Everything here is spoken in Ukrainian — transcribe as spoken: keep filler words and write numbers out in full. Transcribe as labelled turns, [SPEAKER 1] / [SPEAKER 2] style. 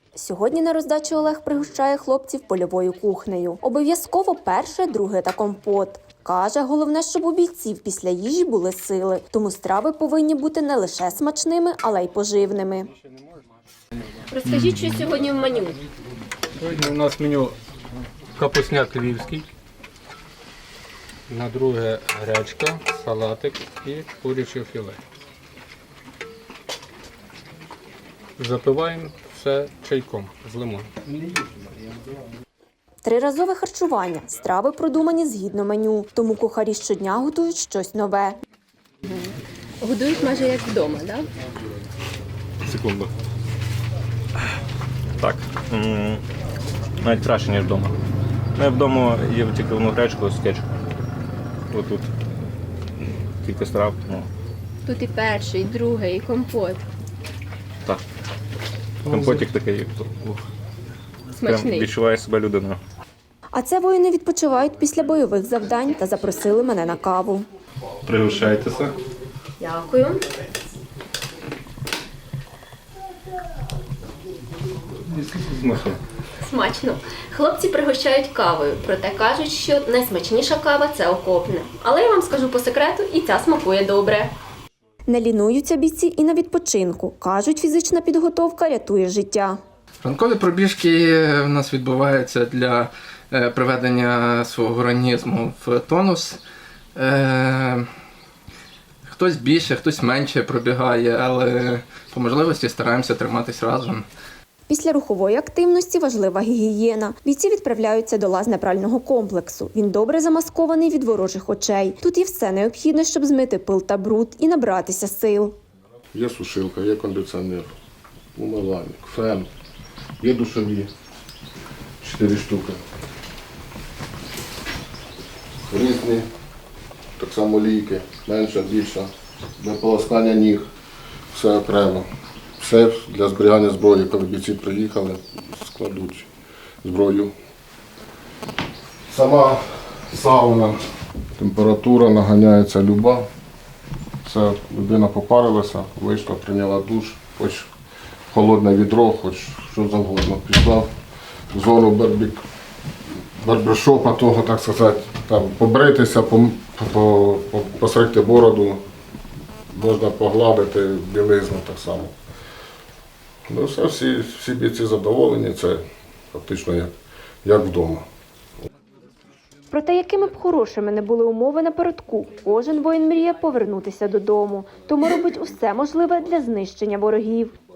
[SPEAKER 1] Сьогодні на роздачу Олег пригощає хлопців польовою кухнею. Обов'язково перше, друге та компот. Каже, головне, щоб у бійців після їжі були сили. Тому страви повинні бути не лише смачними, але й поживними. Розкажіть, що сьогодні в меню?
[SPEAKER 2] Сьогодні у нас меню капусняк львівський, на друге гречка, салатик і куряче філе. Запиваємо все чайком з лимоном.
[SPEAKER 1] Триразове харчування. Страви продумані згідно меню. Тому кухарі щодня готують щось нове. Годують майже як вдома, так?
[SPEAKER 3] Секунду. Так. Навіть краще, ніж вдома. Ну, я вдома їв тільки одну гречку з кетчупом. Отут кілька страв. Ну.
[SPEAKER 1] Тут і перший, і другий, і компот.
[SPEAKER 3] Так. Компотик такий. Прям відчуває себе людиною.
[SPEAKER 1] А це воїни відпочивають після бойових завдань та запросили мене на каву.
[SPEAKER 3] Пригощайтеся.
[SPEAKER 1] Дякую.
[SPEAKER 3] Смачно.
[SPEAKER 1] Смачно. Хлопці пригощають кавою, проте кажуть, що найсмачніша кава – це окопна. Але я вам скажу по секрету, і ця смакує добре. Не лінуються бійці і на відпочинку. Кажуть, фізична підготовка рятує життя.
[SPEAKER 4] Ранкові пробіжки в нас відбуваються для приведення свого організму в тонус. Хтось більше, хтось менше пробігає, але по можливості стараємося триматись разом.
[SPEAKER 1] Після рухової активності важлива гігієна. Бійці відправляються до лазнепрального комплексу. Він добре замаскований від ворожих очей. Тут є все необхідне, щоб змити пил та бруд і набратися сил.
[SPEAKER 5] Є сушилка, є кондиціонер, умивальник, фен, є душові, чотири штуки. Різні, так само ліки, менша, більша, для полоскання ніг, все окремо. Все для зберігання зброї, коли бійці приїхали, складуть зброю. Сама сауна, температура наганяється люба. Це людина попарилася, вийшла, прийняла душ, хоч холодне відро, хоч що завгодно. Пішла в зону барбік, барбершопа, того, так сказати, там побритися, посрикти бороду, можна погладити білизну так само. Ну, все, всі, всі бійці задоволені, це фактично як, як вдома.
[SPEAKER 1] Проте, якими б хорошими не були умови напередку, кожен воїн мріє повернутися додому. Тому робить усе можливе для знищення ворогів.